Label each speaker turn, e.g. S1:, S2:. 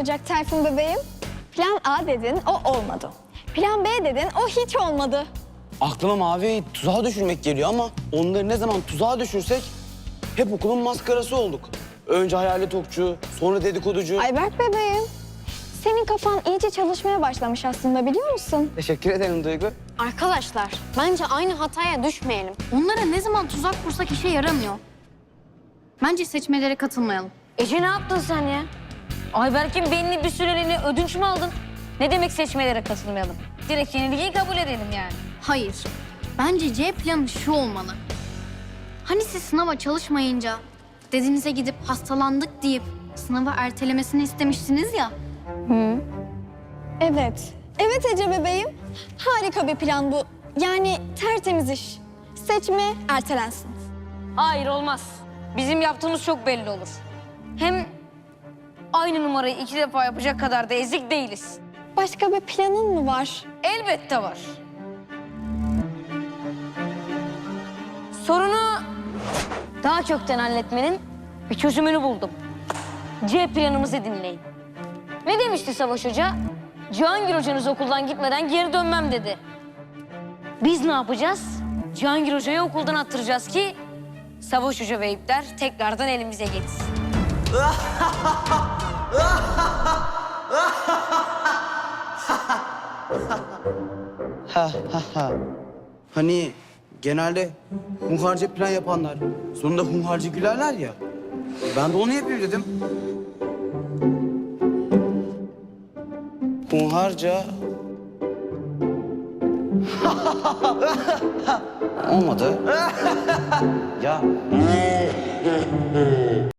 S1: olacak Tayfun bebeğim? Plan A dedin, o olmadı. Plan B dedin, o hiç olmadı.
S2: Aklıma Mavi'yi tuzağa düşürmek geliyor ama onları ne zaman tuzağa düşürsek hep okulun maskarası olduk. Önce hayalet okçu, sonra dedikoducu.
S1: Ayberk bebeğim, senin kafan iyice çalışmaya başlamış aslında biliyor musun?
S2: Teşekkür ederim Duygu.
S3: Arkadaşlar, bence aynı hataya düşmeyelim. Onlara ne zaman tuzak kursak işe yaramıyor. Bence seçmelere katılmayalım.
S4: Ece ne yaptın sen ya? Ayberk'in belli bir süreliğine ödünç mü aldın? Ne demek seçmelere katılmayalım? Direkt yenilgiyi kabul edelim yani.
S3: Hayır. Bence C planı şu olmalı. Hani siz sınava çalışmayınca dedinize gidip hastalandık deyip sınavı ertelemesini istemiştiniz ya.
S1: Evet. Evet Ece bebeğim. Harika bir plan bu. Yani tertemiz iş. Seçme ertelensin.
S4: Hayır olmaz. Bizim yaptığımız çok belli olur. Hem aynı numarayı 2 defa yapacak kadar da ezik değiliz.
S1: Başka bir planın mı var?
S4: Elbette var. Sorunu daha kökten halletmenin bir çözümünü buldum. C planımızı dinleyin. Ne demişti Savaş Hoca? Cihangir Hoca'nız okuldan gitmeden geri dönmem dedi. Biz ne yapacağız? Cihangir Hoca'yı okuldan attıracağız ki Savaş Hoca ve ipler tekrardan elimize geçsin.
S2: Hani genelde hunharca plan yapanlar sonunda hunharca gülerler ya. Ben de onu yapayım dedim. Hunharca... Olmadı. Ya